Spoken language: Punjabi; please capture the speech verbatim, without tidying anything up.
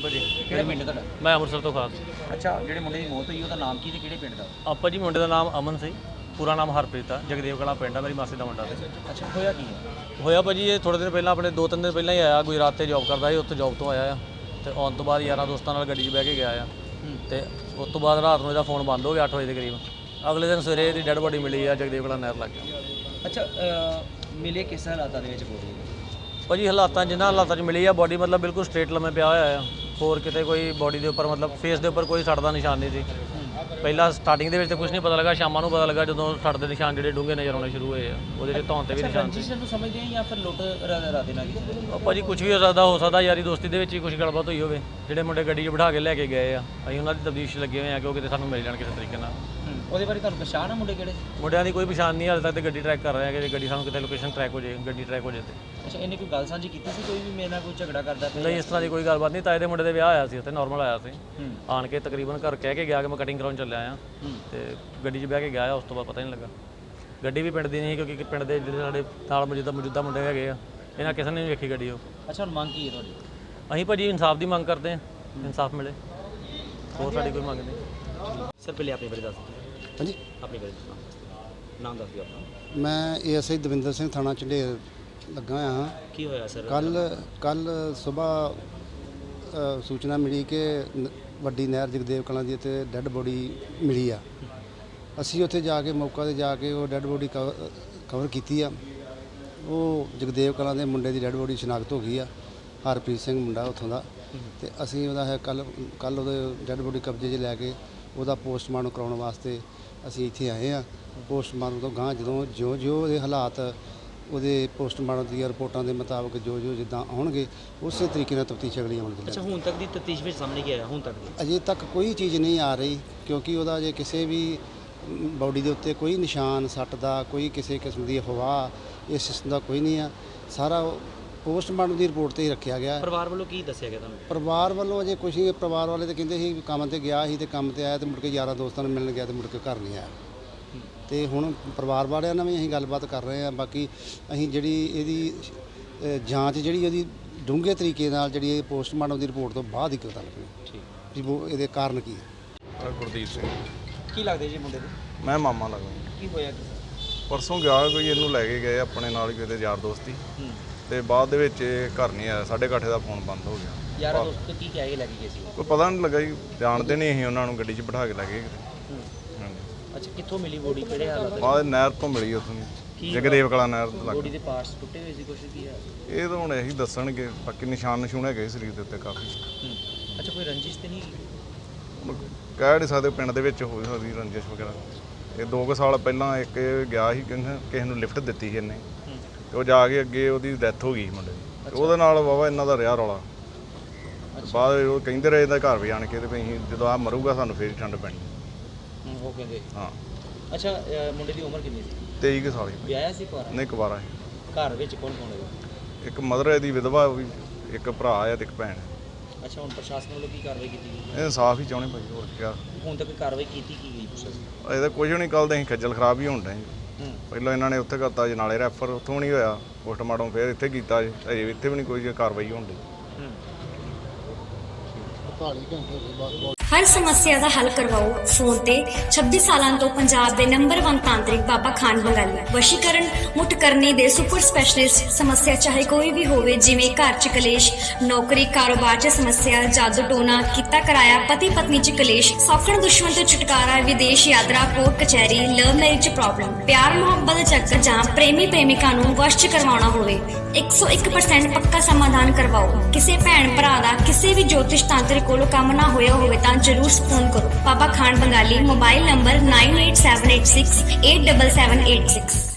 ਭਾਜੀ। ਕਿਹੜਾ ਪਿੰਡ ਤੁਹਾਡਾ? ਮੈਂ ਅੰਮ੍ਰਿਤਸਰ ਤੋਂ ਖਾਸ। ਅੱਛਾ, ਜਿਹੜੇ ਮੁੰਡੇ ਦੀ ਮੌਤ ਹੋਈ ਉਹਦਾ ਨਾਮ ਕੀ ਤੇ ਕਿਹੜੇ ਪਿੰਡ ਦਾ? ਆਪਾਂ ਜੀ ਮੁੰਡੇ ਦਾ ਨਾਮ ਅਮਨ ਸੀ, ਪੂਰਾ ਨਾਮ ਹਰਪ੍ਰੀਤ ਆ, ਜਗਦੇਵ ਕਲਾਂ ਪਿੰਡ ਆ, ਮੇਰੀ ਮਾਸੀ ਦਾ ਮੁੰਡਾ। ਅੱਛਾ, ਹੋਇਆ ਕੀ ਹੈ? ਹੋਇਆ ਭਾਜੀ ਇਹ ਥੋੜ੍ਹੇ ਦਿਨ ਪਹਿਲਾਂ, ਆਪਣੇ ਦੋ ਤਿੰਨ ਦਿਨ ਪਹਿਲਾਂ ਹੀ ਆਇਆ, ਗੁਜਰਾਤ 'ਤੇ ਜੌਬ ਕਰਦਾ ਸੀ, ਉੱਥੇ ਜੌਬ ਤੋਂ ਆਇਆ ਆ ਤੇ ਆਉਣ ਤੋਂ ਬਾਅਦ ਯਾਰਾਂ ਦੋਸਤਾਂ ਨਾਲ ਗੱਡੀ 'ਚ ਬਹਿ ਕੇ ਗਿਆ ਆ ਤੇ ਉਸ ਤੋਂ ਬਾਅਦ ਰਾਤ ਨੂੰ ਇਹਦਾ ਫੋਨ ਬੰਦ ਹੋ ਗਿਆ ਅੱਠ ਵਜੇ ਦੇ ਕਰੀਬ। ਅਗਲੇ ਦਿਨ ਸਵੇਰੇ ਇਹਦੀ ਡੈੱਡ ਬੋਡੀ ਮਿਲੀ ਆ ਜਗਦੇਵ ਕਲਾਂ ਨਹਿਰ ਲੱਗ ਗਿਆ। ਅੱਛਾ, ਮਿਲੇ ਕਿਸ ਹਾਲਾਤਾਂ ਦੇ ਵਿੱਚ ਬੋਡੀ? ਭਾਜੀ ਹਾਲਾਤਾਂ ਜਿਨ੍ਹਾਂ ਹਾਲਾਤਾਂ 'ਚ ਮਿਲੀ ਆ ਬੋਡੀ, ਮਤਲਬ ਬਿਲਕੁਲ ਸਟ੍ਰੇਟ ਲੰਮੇ ਪਿਆ ਹੋਇਆ ਆ, ਹੋਰ ਕਿਤੇ ਕੋਈ ਬੋਡੀ ਦੇ ਉੱਪਰ ਮਤਲਬ ਫੇਸ ਦੇ ਉੱਪਰ ਕੋਈ ਸੱਟ ਦਾ ਨਿਸ਼ਾਨ ਨਹੀਂ ਸੀ। ਪਹਿਲਾਂ ਸਟਾਰਟਿੰਗ ਦੇ ਵਿੱਚ ਤਾਂ ਕੁਝ ਨਹੀਂ ਪਤਾ ਲੱਗਾ, ਸ਼ਾਮਾਂ ਨੂੰ ਪਤਾ ਲੱਗਾ ਜਦੋਂ ਸੱਟ ਦੇ ਨਿਸ਼ਾਨ ਜਿਹੜੇ ਡੂੰਘੇ ਨਜ਼ਰ ਆਉਣੇ ਸ਼ੁਰੂ ਹੋਏ ਆ, ਉਹਦੇ 'ਚ ਧੌਣ 'ਤੇ ਵੀ ਨਿਸ਼ਾਨ ਸੀ। ਰੰਜਿਸ਼ ਨੂੰ ਸਮਝਦੇ ਆ ਜਾਂ ਫਿਰ ਲੁੱਟ ਰਾਦੇ ਨਾਲ ਕੀਤੀ? ਭਾਜੀ ਕੁਝ ਵੀ ਹੋ ਸਕਦਾ, ਹੋ ਸਕਦਾ ਯਾਰੀ ਦੋਸਤੀ ਦੇ ਵਿੱਚ ਹੀ ਕੁਝ ਗੱਲਬਾਤ ਹੋਈ ਹੋਵੇ। ਜਿਹੜੇ ਮੁੰਡੇ ਗੱਡੀ 'ਚ ਬਿਠਾ ਕੇ ਲੈ ਕੇ ਗਏ ਆ, ਅਸੀਂ ਉਹਨਾਂ ਦੀ ਤਬਦੀਸ਼ ਲੱਗੇ ਹੋਏ ਆ ਕਿ ਉਹ ਕਿਤੇ ਸਾਨੂੰ ਮਿਲ ਜਾਣ ਕਿਸੇ ਤਰੀਕੇ ਨਾਲ। ਉਹਦੇ ਬਾਰੇ ਤੁਹਾਨੂੰ ਪਛਾਣ ਆ ਮੁੰਡੇ ਕਿਹੜੇ? ਮੁੰਡਿਆਂ ਦੀ ਕੋਈ ਪਛਾਣ ਨਹੀਂ, ਹਾਲੇ ਤੱਕ ਤੇ ਗੱਡੀ ਟਰੈਕ ਕਰ ਰਹੇ ਆ ਕਿ ਗੱਡੀ ਸਾਨੂੰ ਕਿਤੇ ਲੋਕੇਸ਼ਨ ਟਰੈਕ ਹੋ ਜਾਏ, ਗੱਡੀ ਟਰੈਕ ਹੋ ਜਾਏ ਤੇ। ਅੱਛਾ, ਇਹਨੇ ਕੋਈ ਗੱਲ ਸਾਂਝੀ ਕੀਤੀ ਸੀ ਕੋਈ ਵੀ ਮੇਰੇ ਨਾਲ ਕੋਈ ਝਗੜਾ ਕਰਦਾ ਪਿਆ? ਨਹੀਂ, ਇਸ ਤਰ੍ਹਾਂ ਦੀ ਕੋਈ ਗੱਲਬਾਤ ਨਹੀਂ। ਤਾਏ ਦੇ ਮੁੰਡੇ ਦੇ ਵਿਆਹ ਆਇਆ ਸੀ ਉੱਥੇ, ਨਾਰਮਲ ਆਇਆ ਸੀ, ਆਣ ਕੇ ਤਕਰੀਬਨ ਘਰ ਕਹਿ ਕੇ ਗਿਆ ਕਿ ਮੈਂ ਕਟਿੰਗ ਕਰਾਉਣ ਚੱਲਿਆ ਆ ਤੇ ਗੱਡੀ 'ਚ ਬਹਿ ਕੇ ਗਿਆ ਆ। ਉਸ ਤੋਂ ਬਾਅਦ ਪਤਾ ਹੀ ਨਹੀਂ ਲੱਗਾ। ਗੱਡੀ ਵੀ ਪਿੰਡ ਦੀ ਨਹੀਂ, ਕਿਉਂਕਿ ਪਿੰਡ ਦੇ ਜਿਹੜੇ ਸਾਡੇ ਨਾਲ ਮੌਜੂਦਾ ਮੌਜੂਦਾ ਮੁੰਡੇ ਹੈਗੇ ਆ, ਇਹਨਾਂ ਕਿਸੇ ਨੇ ਨਹੀਂ ਵੇਖੀ ਗੱਡੀ ਉਹ। ਅੱਛਾ, ਹੁਣ ਮੰਗ ਕੀ ਹੈ ਤੁਹਾਡੀ? ਅਸੀਂ ਭਾਜੀ ਇਨਸਾਫ ਦੀ ਮੰਗ ਕਰਦੇ ਹਾਂ, ਇਨਸਾਫ ਮਿਲੇ, ਹੋਰ ਸਾਡੀ ਕੋਈ ਮੰਗ ਨਹੀਂ। ਸਰ ਪਹਿਲੇ ਆਪਣੇ ਬਾਰੇ ਦੱਸ ਦਿਓ। ਹਾਂਜੀ, ਆਪਣੇ ਬਾਰੇ ਦੱਸੋ, ਨਾਮ ਦੱਸ ਦਿਓ ਆਪਣਾ। ਮੈਂ ਏਐਸਆਈ ਦਵਿੰਦਰ ਸਿੰਘ, ਥਾਣਾ ਝੰਡੇਰ ਲੱਗਾ ਹੋਇਆ ਹਾਂ। ਕੀ ਹੋਇਆ ਸਰ? ਕੱਲ ਕੱਲ ਸਵੇਰ ਸੂਚਨਾ ਮਿਲੀ ਕਿ ਨ- ਵੱਡੀ ਨਹਿਰ ਜਗਦੇਵ ਕਲਾਂ ਦੀ ਉੱਤੇ ਡੈੱਡ ਬੋਡੀ ਮਿਲੀ ਆ। ਅਸੀਂ ਉੱਥੇ ਜਾ ਕੇ ਮੌਕਾ 'ਤੇ ਜਾ ਕੇ ਉਹ ਡੈੱਡ ਬੋਡੀ ਕਵਰ ਕਵਰ ਕੀਤੀ ਆ। ਉਹ ਜਗਦੇਵ ਕਲਾਂ ਦੇ ਮੁੰਡੇ ਦੀ ਡੈੱਡ ਬੋਡੀ ਸ਼ਨਾਖਤ ਹੋ ਗਈ ਆ, ਹਰਪ੍ਰੀਤ ਸਿੰਘ ਮੁੰਡਾ ਉੱਥੋਂ ਦਾ। ਤੇ ਅਸੀਂ ਉਹਦਾ ਹੈ ਕੱਲ ਕੱਲ ਉਹਦੇ ਡੈੱਡ ਬੋਡੀ ਕਬਜ਼ੇ 'ਚ ਲੈ ਕੇ ਉਹਦਾ ਪੋਸਟਮਾਰਟਮ ਕਰਾਉਣ ਵਾਸਤੇ ਅਸੀਂ ਇੱਥੇ ਆਏ ਆ। ਪੋਸਟਮਾਰਟਮ ਤੋਂ ਗਾਂ ਜਦੋਂ ਜਿਉਂ ਜਿਉਂ ਉਹਦੇ ਹਾਲਾਤ, ਉਹਦੇ ਪੋਸਟਮਾਰਟਮ ਦੀਆਂ ਰਿਪੋਰਟਾਂ ਦੇ ਮੁਤਾਬਕ ਜੋ ਜੋ ਜਿੱਦਾਂ ਆਉਣਗੇ ਉਸੇ ਤਰੀਕੇ ਨਾਲ ਤਫਤੀਸ਼ ਅਗਲੀ ਅਮਲ 'ਚ। ਅੱਛਾ, ਹੁਣ ਤੱਕ ਦੀ ਤਫਤੀਸ਼ ਵਿੱਚ ਸਾਹਮਣੇ ਕੀ ਆਇਆ ਹੁਣ ਤੱਕ ਦੀ? ਅਜੇ ਤੱਕ ਕੋਈ ਚੀਜ਼ ਨਹੀਂ ਆ ਰਹੀ, ਕਿਉਂਕਿ ਉਹਦਾ ਜੇ ਕਿਸੇ ਵੀ ਬਾਡੀ ਦੇ ਉੱਤੇ ਕੋਈ ਨਿਸ਼ਾਨ ਸੱਟ ਦਾ, ਕੋਈ ਕਿਸੇ ਕਿਸਮ ਦੀ ਅਫਵਾਹ ਇਸ ਕਿਸਮ ਦਾ ਕੋਈ ਨਹੀਂ ਆ। ਸਾਰਾ ਪੋਸਟਮਾਰਟਮ ਦੀ ਰਿਪੋਰਟ 'ਤੇ ਹੀ ਰੱਖਿਆ ਗਿਆ। ਪਰਿਵਾਰ ਵੱਲੋਂ ਕੀ ਦੱਸਿਆ ਗਿਆ ਤੁਹਾਨੂੰ? ਪਰਿਵਾਰ ਵੱਲੋਂ ਅਜੇ ਕੁਛ ਨਹੀਂ। ਪਰਿਵਾਰ ਵਾਲੇ ਤਾਂ ਕਹਿੰਦੇ ਸੀ ਕੰਮ 'ਤੇ ਗਿਆ ਸੀ ਤੇ ਕੰਮ 'ਤੇ ਆਇਆ ਤੇ ਮੁੜ ਕੇ ਯਾਰਾਂ ਦੋਸਤਾਂ ਨੂੰ ਮਿਲਣ ਗਿਆ ਤੇ ਮੁੜ ਕੇ ਘਰ ਨਹੀਂ ਆਇਆ। ਤੇ ਹੁਣ ਪਰਿਵਾਰ ਵਾਲਿਆਂ ਨਾਲ ਵੀ ਅਸੀਂ ਗੱਲਬਾਤ ਕਰ ਰਹੇ ਹਾਂ। ਬਾਕੀ ਅਸੀਂ ਜਿਹੜੀ ਇਹਦੀ ਅ, ਜਾਂਚ ਜਿਹੜੀ ਉਹਦੀ ਡੂੰਘੇ ਤਰੀਕੇ ਨਾਲ ਜਿਹੜੀ ਇਹ ਪੋਸਟਮਾਰਟਮ ਦੀ ਰਿਪੋਰਟ ਤੋਂ ਬਾਅਦ ਹੀ ਪਤਾ ਲੱਗਣੀ ਠੀਕ। ਵੀ ਉਹ ਇਹਦੇ ਕਾਰਨ ਕੀ ਹੈ। ਗੁਰਦੀਪ ਸਿੰਘ, ਕੀ ਲੱਗਦੇ ਜੀ ਮੁੰਡੇ ਦੇ? ਮੈਂ ਮਾਮਾ ਲੱਗਦਾ। ਕੀ ਹੋਇਆ ਕੀ? ਪਰਸੋਂ ਗਿਆ ਕੋਈ, ਇਹਨੂੰ ਲੈ ਕੇ ਗਏ ਆਪਣੇ ਨਾਲ ਹੀ ਕਿਤੇ ਯਾਰ ਦੋਸਤੀ, ਤੇ ਬਾਅਦ ਦੇ ਵਿੱਚ ਇਹ ਘਰ ਨਹੀਂ ਆਇਆ। ਸਾਢੇ ਕੁ ਅੱਠ ਦਾ ਫੋਨ ਬੰਦ ਹੋ ਗਿਆ। ਯਾਰਾਂ ਦੋਸਤ ਕੀ ਕਹਿ ਕੇ ਲੈ ਕੇ ਗਏ ਸੀ? ਕੋਈ ਪਤਾ ਨਹੀਂ ਲੱਗਾ ਜੀ, ਜਾਣਦੇ ਨਹੀਂ ਅਸੀਂ ਉਹਨਾਂ ਨੂੰ, ਗੱਡੀ 'ਚ ਬਿਠਾ ਕੇ ਲੈ ਗਏ ਕਿਤੇ। ਅੱਛਾ, ਕਿੱਥੋਂ ਮਿਲੀ ਬੋਡੀ, ਕਿਹੜੇ ਹਾਲਾਤ? ਬਾਅਦ ਨਹਿਰ ਤੋਂ ਮਿਲੀ ਉੱਥੋਂ ਦੀ, ਜਗਦੇਵ ਕਲਾਂ ਨਹਿਰ ਤੋਂ ਲੱਗ। ਬੋਡੀ ਦੇ ਪਾਰਟਸ ਟੁੱਟੇ ਹੋਏ ਸੀ ਕੁਛ? ਕੀ ਹੈ ਇਹ ਤਾਂ ਹੁਣ ਇਹੀ ਦੱਸਣਗੇ, ਬਾਕੀ ਨਿਸ਼ਾਨ ਨਿਸ਼ੂਨ ਹੈਗੇ ਸਰੀਰ ਦੇ ਉੱਤੇ ਕਾਫੀ। ਅੱਛਾ, ਕੋਈ ਰੰਜਿਸ਼ ਤੇ ਨਹੀਂ? ਹੁਣ ਕਹਿ ਨਹੀਂ ਸਕਦੇ, ਪਿੰਡ ਦੇ ਵਿੱਚ ਹੋ ਸਕਦੀ ਰੰਜਿਸ਼ ਵਗੈਰਾ। ਇਹ ਦੋ ਕੁ ਸਾਲ ਪਹਿਲਾਂ ਇੱਕ ਇਹ ਗਿਆ ਸੀ, ਕਹਿੰਦੇ ਕਿਸੇ ਨੂੰ ਲਿਫਟ ਦਿੱਤੀ ਸੀ ਇਹਨੇ, ਤੇ ਉਹ ਜਾ ਕੇ ਅੱਗੇ ਉਹਦੀ ਡੈਥ ਹੋ ਗਈ ਮੁੰਡੇ ਦੀ। ਤੇ ਉਹਦੇ ਨਾਲ ਵਾਵਾ ਇਹਨਾਂ ਦਾ ਰਿਹਾ ਰੌਲਾ। ਬਾਅਦ ਉਹ ਕਹਿੰਦੇ ਰਹੇ ਇਹਦਾ ਘਰ ਵੀ ਆਣ ਕੇ ਤੇ ਵੀ ਅਸੀਂ ਜਦੋਂ ਆ ਮਰੂਗਾ ਸਾਨੂੰ ਫੇਰ ਠੰਡ ਪੈਣੀ। ਉਹ ਕਹਿੰਦੇ ਹਾਂ। ਅੱਛਾ, ਮੁੰਡੇ ਦੀ ਉਮਰ ਕਿੰਨੀ ਸੀ? ਤੇਈ ਕੁ ਸਾਲ ਹੀ। ਵਿਆਹਿਆ ਸੀ ਕੁਆਰਾ? ਨਹੀਂ, ਕੁਵਾਰਾ ਸੀ। ਘਰ ਵਿੱਚ ਕੌਣ ਕੌਣ ਹੈਗਾ? ਇੱਕ ਮਦਰ ਇਹਦੀ ਵਿਧਵਾ ਵੀ, ਇੱਕ ਭਰਾ ਆ ਤੇ ਇੱਕ ਭੈਣ। ਅੱਛਾ, ਹੁਣ ਪ੍ਰਸ਼ਾਸਨ ਵੱਲੋਂ ਕੀ ਕਾਰਵਾਈ ਕੀਤੀ ਗਈ? ਇਹ ਇਨਸਾਫ ਹੀ ਚਾਹੁੰਦੇ ਭਾਈ, ਹੋਰ ਕੀ ਆ। ਹੁਣ ਤੱਕ ਕਾਰਵਾਈ ਕੀਤੀ ਕੀ ਗਈ ਪ੍ਰਸ਼ਾਸਨ? ਇਹਦਾ ਕੁਝ ਨਹੀਂ, ਕੱਲ੍ਹ ਤਾਂ ਅਸੀਂ ਖੱਜਲ ਖਰਾਬ ਹੀ ਹੋਣ ਡਏ ਜੀ। ਹੂੰ। ਪਹਿਲਾਂ ਇਹਨਾਂ ਨੇ ਉੱਥੇ ਕਰਤਾ ਜੀ ਨਾਲੇ ਰੈਫਰ, ਉੱਥੋਂ ਨਹੀਂ ਹੋਇਆ ਪੋਸਟਮਾਰਟਮ, ਫਿਰ ਇੱਥੇ ਕੀਤਾ ਜੀ। ਅਜੇ ਇੱਥੇ ਵੀ ਨਹੀਂ ਕੋਈ ਕਾਰਵਾਈ ਹੋਣ ਡਈ। ਹਰ ਸਮੱਸਿਆ ਦਾ ਹੱਲ ਕਰਵਾਓ ਫੋਨ ਤੇ। ਛੱਬੀ ਸਾਲਾਂ ਤੋਂ ਪੰਜਾਬ ਦੇ ਨੰਬਰ ਇੱਕ ਤਾਂਤਰਿਕ ਬਾਬਾ ਖਾਨ ਬੰਗਾਲੀ। ਵਸ਼ੀਕਰਨ, ਮੁੱਠ ਕਰਨੀ ਦੇ ਸੁਪਰ ਸਪੈਸ਼ਲਿਸਟ। ਸਮੱਸਿਆ ਚਾਹੇ ਕੋਈ ਵੀ ਹੋਵੇ, ਜਿਵੇਂ ਘਰ 'ਚ ਕਲੇਸ਼, ਨੌਕਰੀ ਕਾਰੋਬਾਰ 'ਚ ਸਮੱਸਿਆ, ਜਾਦੂ ਟੋਨਾ, ਕੀਤਾ ਕਰਾਇਆ, ਪਤੀ ਪਤਨੀ 'ਚ ਕਲੇਸ਼, ਸੌਖਣ ਦੁਸ਼ਮਣ ਤੋਂ ਛੁਟਕਾਰਾ, ਵਿਦੇਸ਼ ਯਾਤਰਾ, ਕੋਰਟ ਕਚਹਿਰੀ, ਲਵ ਮੈਰਿਜ 'ਚ ਪ੍ਰੋਬਲਮ, ਪਿਆਰ ਮੁਹੱਬਤ ਦਾ ਚੱਕਰ ਜਾਂ ਪ੍ਰੇਮੀ ਪ੍ਰੇਮਿਕਾ ਨੂੰ ਵਸ਼ 'ਚ ਕਰਵਾਉਣਾ ਹੋਵੇ, ਇੱਕ ਸੌ ਇੱਕ ਪਰਸੈਂਟ ਪੱਕਾ ਸਮਾਧਾਨ ਕਰਵਾਓ। ਕਿਸੇ ਭੈਣ ਭਰਾ ਦਾ ਕਿਸੇ ਵੀ ਜੋਤਿਸ਼ ਤਾਂਤਰਿਕ ਕੋਲੋਂ ਕੰਮ ਨਾ ਹੋਇਆ ਹੋਵੇ ਤਾਂ ਜ਼ਰੂਰ ਫੋਨ ਕਰੋ। Baba Khan Bengali. Mobile number nine eight seven eight six eight seven seven eight six.